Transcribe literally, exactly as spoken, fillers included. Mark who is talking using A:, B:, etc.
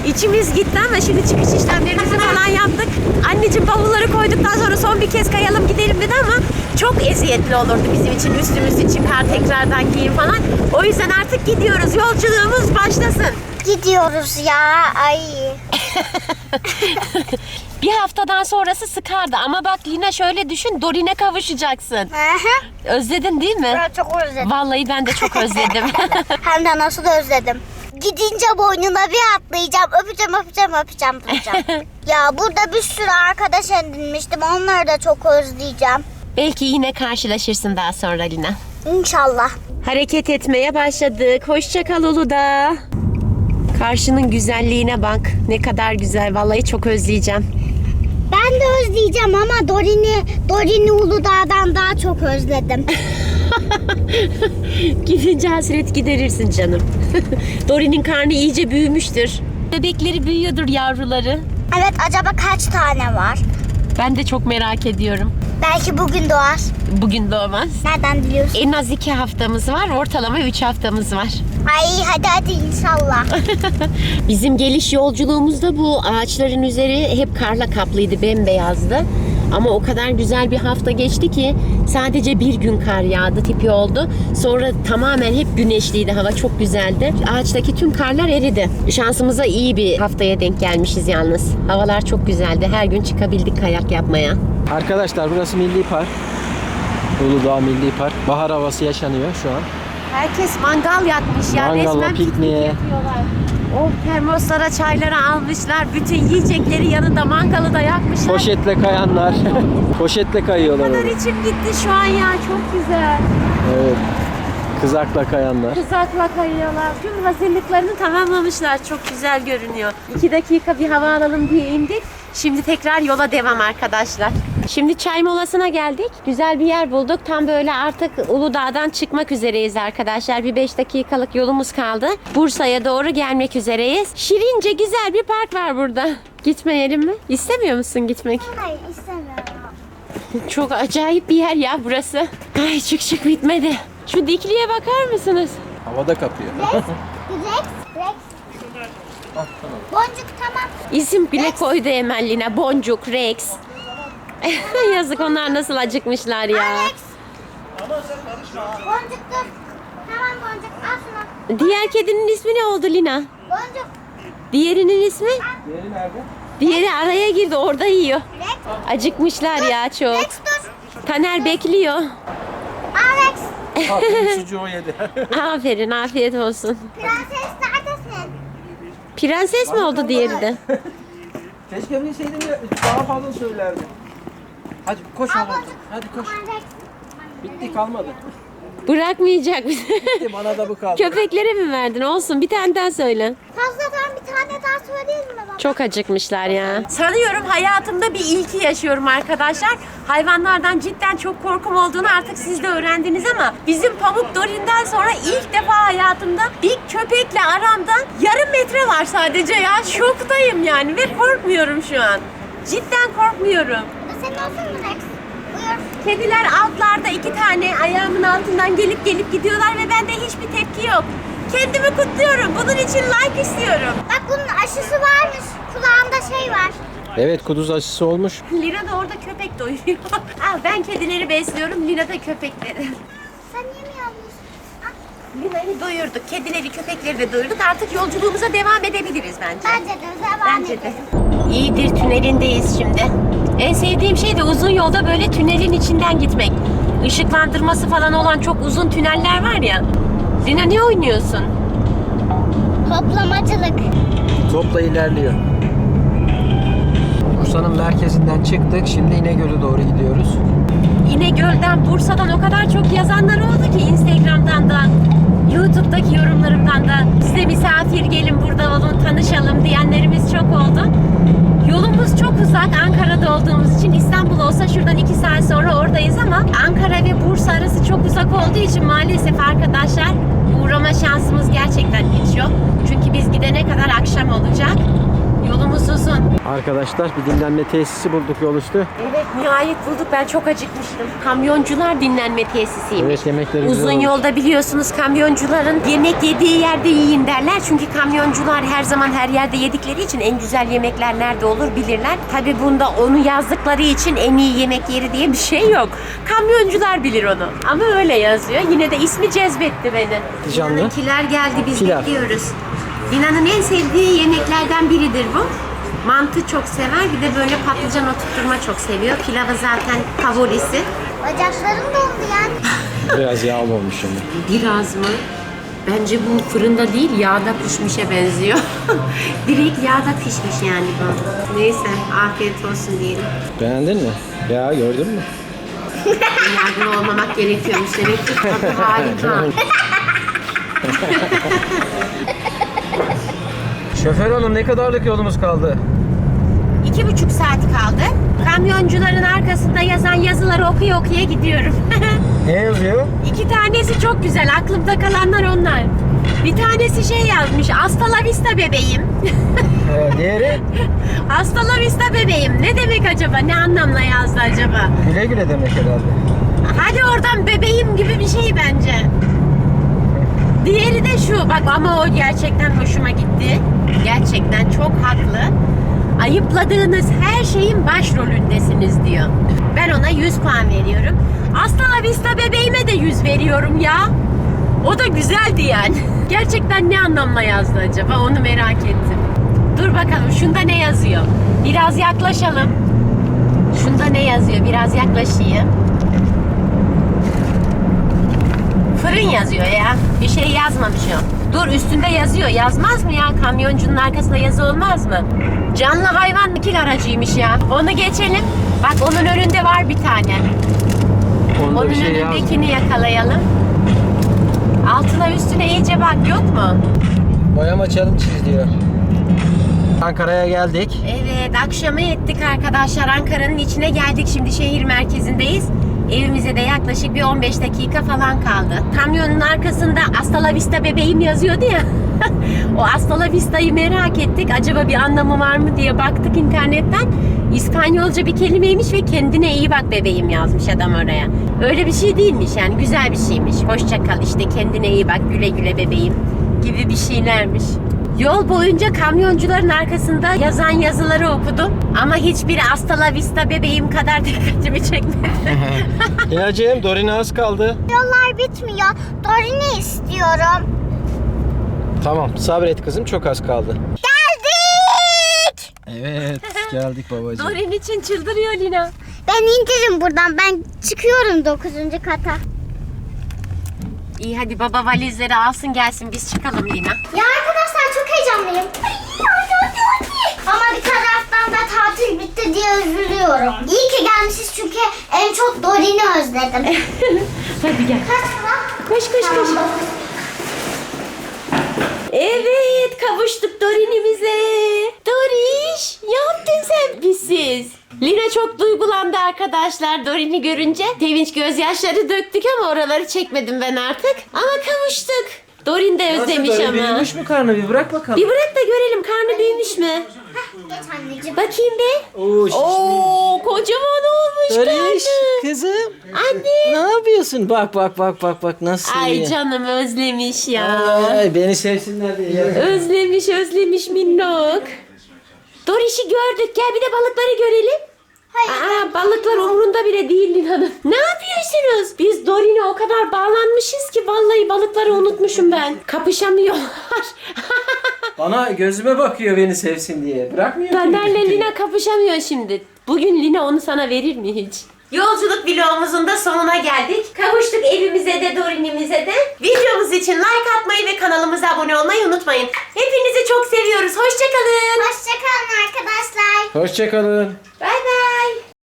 A: İçimiz gitti ama şimdi çıkış işlemlerimizi falan yaptık. Anneciğim bavulları koyduktan sonra son bir kez kayalım gidelim dedi ama çok eziyetli olurdu bizim için. Üstümüzü çıkar tekrardan giyin falan. O yüzden artık gidiyoruz. Yolculuğumuz başlasın.
B: Gidiyoruz ya. Ay.
A: Bir haftadan sonrası sıkardı ama bak Lina şöyle düşün, Dorin'e kavuşacaksın.
B: Aha.
A: Özledin değil mi?
B: Ben çok özledim.
A: Vallahi ben de çok özledim.
B: Hem de nasıl özledim. Gidince boynuna bir atlayacağım. Öpeceğim, öpeceğim, öpeceğim, öpeceğim. Ya burada bir sürü arkadaş edinmiştim. Onları da çok özleyeceğim.
A: Belki yine karşılaşırsın daha sonra Lina.
B: İnşallah.
A: Hareket etmeye başladık. Hoşça kal Uludağ. Karşının güzelliğine bak. Ne kadar güzel. Vallahi çok özleyeceğim.
B: Ben de özleyeceğim ama Dorin'i Dorin'i Uludağ'dan daha çok özledim.
A: Gidince hasret giderirsin canım. Dorin'in karnı iyice büyümüştür. Bebekleri büyüyordur, yavruları.
B: Evet, acaba kaç tane var?
A: Ben de çok merak ediyorum.
B: Belki bugün doğar.
A: Bugün doğmaz.
B: Nereden biliyorsun?
A: En az iki haftamız var. Ortalama üç haftamız var.
B: Ay hadi hadi inşallah.
A: Bizim geliş yolculuğumuzda bu ağaçların üzeri hep karla kaplıydı, bembeyazdı. Ama o kadar güzel bir hafta geçti ki sadece bir gün kar yağdı tipi oldu. Sonra tamamen hep güneşliydi, hava çok güzeldi. Ağaçtaki tüm karlar eridi. Şansımıza iyi bir haftaya denk gelmişiz yalnız. Havalar çok güzeldi. Her gün çıkabildik kayak yapmaya.
C: Arkadaşlar burası Milli Park. Uludağ Milli Park. Bahar havası yaşanıyor şu an.
A: Herkes mangal yakmış ya.
C: Mangalla,
A: Resmen piknik
C: pikniğe.
A: yapıyorlar. O termoslara çayları almışlar. Bütün yiyecekleri yanında, mangalı da yakmışlar.
C: Poşetle kayanlar. Poşetle
A: O
C: kayıyorlar
A: kadar
C: orada.
A: içim gitti şu an ya. Çok güzel.
C: Evet. Kızakla kayanlar.
A: Kızakla kayıyorlar. Tüm hazırlıklarını tamamlamışlar. Çok güzel görünüyor. İki dakika bir hava alalım diye indik. Şimdi tekrar yola devam arkadaşlar. Şimdi çay molasına geldik. Güzel bir yer bulduk. Tam böyle artık Uludağ'dan çıkmak üzereyiz arkadaşlar. Bir beş dakikalık yolumuz kaldı. Bursa'ya doğru gelmek üzereyiz. Şirince güzel bir park var burada. Gitmeyelim mi? İstemiyor musun gitmek?
B: Hayır istemiyorum.
A: Çok acayip bir yer ya burası. Ay çık çık bitmedi. Şu dikliğe bakar mısınız?
C: Havada kapıyor.
B: Rex, Rex. Boncuk tamam.
A: İsim bile koydu Emelline. Boncuk, Rex. Yazık, onlar nasıl acıkmışlar ya.
B: Rex. Boncuk dur. Tamam Boncuk al şunu.
A: Diğer kedinin ismi ne oldu Lina?
B: Boncuk.
A: Diğerinin ismi?
C: Diğeri nerede?
A: Diğeri araya girdi, orada yiyor.
B: Rex.
A: Acıkmışlar ya çok.
B: Rex dur.
A: Taner bekliyor.
B: Al Rex.
C: Çocuğu yedi.
A: Aferin, afiyet olsun.
B: Prenses neredesin?
A: Prenses mi oldu diğeri de?
C: Keşke bilseydim ya daha fazla söylerdim. Hadi koş
B: Al
C: oğlum.
B: Boncuk.
C: Hadi koş.
B: Aman Rex.
C: Bitti kalmadı.
A: Bırakmayacak bizi.
C: Bitti bana da bu kaldı.
A: Köpeklere mi verdin? Olsun, bir tane daha söyle.
B: Fazladan bir tane daha söyleyelim mi baba?
A: Çok acıkmışlar ya. Sanıyorum hayatımda bir ilki yaşıyorum arkadaşlar. Hayvanlardan cidden çok korkum olduğunu artık siz de öğrendiniz ama bizim Pamuk Dorin'den sonra ilk defa hayatımda bir köpekle aramda yarım metre var sadece ya. Şoktayım yani ve korkmuyorum şu an. Cidden korkmuyorum.
B: Bu da senin olsun mu Rex? Buyur.
A: Kediler altlarda iki tane ayağımın altından gelip gelip gidiyorlar ve bende hiçbir tepki yok. Kendimi kutluyorum. Bunun için like istiyorum.
B: Bak bunun aşısı varmış. Kulağında şey var.
C: Evet, kuduz aşısı olmuş.
A: Lina da orada köpek doyuruyor. Al, ben kedileri besliyorum, Lina da köpekleri.
B: Sen yemiyor musun?
A: Lina'yı doyurduk, kedileri, köpekleri de doyurduk. Artık yolculuğumuza devam edebiliriz bence.
B: Bence de devam
A: Bence de.
B: edelim.
A: İyidir, tünelindeyiz şimdi. En sevdiğim şey de uzun yolda böyle tünelin içinden gitmek. Işıklandırması falan olan çok uzun tüneller var ya. Lina ne oynuyorsun?
B: Hoplamacılık.
C: Topla ilerliyor. Bursa'nın merkezinden çıktık. Şimdi İnegöl'e doğru gidiyoruz.
A: İnegöl'den, Bursa'dan o kadar çok yazanlar oldu ki Instagram'dan da, YouTube'daki yorumlarımdan da size misafir gelin burada olun, tanışalım diyenlerimiz çok oldu. Yolumuz çok uzak Ankara'da olduğumuz için. İstanbul olsa şuradan iki saat sonra oradayız ama Ankara ve Bursa arası çok uzak olduğu için maalesef arkadaşlar uğrama şansımız gerçekten hiç yok. Çünkü biz gidene kadar akşam olacak. Yolumuz uzun.
C: Arkadaşlar bir dinlenme tesisi bulduk yol üstü.
A: Evet, nihayet bulduk. Ben çok acıkmıştım. Kamyoncular dinlenme tesisiymiş.
C: Evet, yemekleri güzel
A: Uzun
C: olmuş.
A: yolda biliyorsunuz kamyoncuların yemek yediği yerde yiyin derler. Çünkü kamyoncular her zaman her yerde yedikleri için en güzel yemekler nerede olur bilirler. Tabi bunda onu yazdıkları için en iyi yemek yeri diye bir şey yok. Kamyoncular bilir onu. Ama öyle yazıyor. Yine de ismi cezbetti beni.
C: Canlı.
A: Lina'nınkiler geldi, biz
C: Pilav.
A: bekliyoruz. Lina'nın en sevdiği yemeklerden biridir bu. Mantı çok sever, bir de böyle patlıcan oturtturma çok seviyor. Pilavı zaten favorisi.
B: Bacaklarım dondu yani.
C: Biraz yağlı olmuş şimdi.
A: Biraz mı? Bence bu fırında değil, yağda pişmişe benziyor. Direkt yağda pişmiş yani bu. Neyse, afiyet olsun diyelim.
C: Beğendin mi? Ya gördün mü?
A: Yardım olmamak gerekiyormuş demek ki. Tadı harika.
C: Şoför hanım, ne kadarlık yolumuz kaldı?
A: İki buçuk saat kaldı. Kamyoncuların arkasında yazan yazıları okuya okuya gidiyorum.
C: Ne yazıyor?
A: İki tanesi çok güzel. Aklımda kalanlar onlar. Bir tanesi şey yazmış. Hasta la vista bebeğim.
C: Ee, diğeri?
A: Hasta la vista bebeğim. Ne demek acaba? Ne anlamla yazdı acaba?
C: Güle güle demek herhalde.
A: Hadi oradan bebeğim gibi bir şey bence. Diğeri de şu. Bak ama o gerçekten hoşuma gitti. Gerçekten çok haklı. Ayıpladığınız her şeyin başrolündesiniz diyor. Ben ona yüz puan veriyorum. Hasta la vista bebeğime de yüz veriyorum ya. O da güzeldi yani. Gerçekten ne anlamla yazdı acaba? Onu merak ettim. Dur bakalım şunda ne yazıyor? Biraz yaklaşalım. Şunda ne yazıyor? Biraz yaklaşayım. Fırın yazıyor ya. Bir şey yazmamış o. Dur, üstünde yazıyor. Yazmaz mı ya? Kamyoncunun arkasında yazı olmaz mı? Canlı hayvan nakil aracıymış ya. Onu geçelim. Bak onun önünde var bir tane.
C: Onda
A: Onun
C: bir şey yazmıyor.
A: önündekini yakalayalım. Altına üstüne iyice bak, yok mu?
C: Boyama challenge diyor. Ankara'ya geldik.
A: Evet, akşamı ettik arkadaşlar. Ankara'nın içine geldik. Şimdi şehir merkezindeyiz. Evimize de yaklaşık bir on beş dakika falan kaldı. Kamyonun arkasında Hasta la vista bebeğim yazıyordu ya. O Hasta la vista'yı merak ettik. Acaba bir anlamı var mı diye baktık internetten. İspanyolca bir kelimeymiş ve kendine iyi bak bebeğim yazmış adam oraya. Öyle bir şey değilmiş yani, güzel bir şeymiş. Hoşça kal işte, kendine iyi bak, güle güle bebeğim gibi bir şeylermiş. Yol boyunca kamyoncuların arkasında yazan yazıları okudum. Ama hiçbiri Hasta la vista bebeğim kadar dikkatimi çekmedi.
C: Lina'cığım, Dorine az kaldı.
B: Yollar bitmiyor. Dorini istiyorum.
C: Tamam, sabret kızım, çok az kaldı.
B: Geldik.
C: Evet, geldik babacığım.
A: Dorin için çıldırıyor Lina.
B: Ben indirim buradan. Ben çıkıyorum dokuzuncu kata.
A: İyi hadi baba valizleri alsın gelsin, biz çıkalım Lina.
B: Ya arkadaşlar çok heyecanlıyım. Ama bir taraftan da tatil bitti diye üzülüyorum. İyi ki gelmişiz çünkü en çok Dorin'i özledim.
A: Hadi gel.
B: Kaç sıra?
A: Koş koş koş.
B: Tamam.
A: Evet, kavuştuk Dorin'imize. Doriş, ne yaptın sen bizsiz? Lina çok duygulandı arkadaşlar Dorin'i görünce. Sevinç gözyaşları döktük ama oraları çekmedim ben artık. Ama kavuştuk. Dorin de özlemiş ama.
C: Büyümüş mü karnı, bir bırak bakalım.
A: Bir bırak da görelim, karnı büyümüş mü?
B: Geç anneciğim.
A: Bakayım bir.
C: Oo, şişmiş.
A: Oo, kocaman olmuş
C: Doriş,
A: karnı.
C: kızım.
A: Anne.
C: Ne yapıyorsun? Bak bak bak bak bak nasıl
A: Ay
C: iyi.
A: canım özlemiş ya.
C: Ay, beni sevsinler diye.
A: Özlemiş özlemiş minnok. Doriş'i gördük. Gel bir de balıkları görelim.
B: Hayır.
A: Aa, balıklar umurunda bile değil Lina'nın. Ne yapıyorsunuz? Biz Dorin'e o kadar bağlanmışız ki vallahi balıkları unutmuşum ben. Kapışamıyorlar.
C: Bana gözüme bakıyor beni sevsin diye. Bırakmıyor ki.
A: Taner'le Lina kapışamıyor şimdi. Bugün Lina onu sana verir mi hiç? Yolculuk vlogumuzun da sonuna geldik. Kavuştuk evimize de Dorin'imize de. Videomuz için like atmayı ve kanalımıza abone olmayı unutmayın. Hepinizi çok seviyoruz. Hoşçakalın.
B: Hoşçakalın arkadaşlar.
C: Hoşçakalın.
A: Bay bay.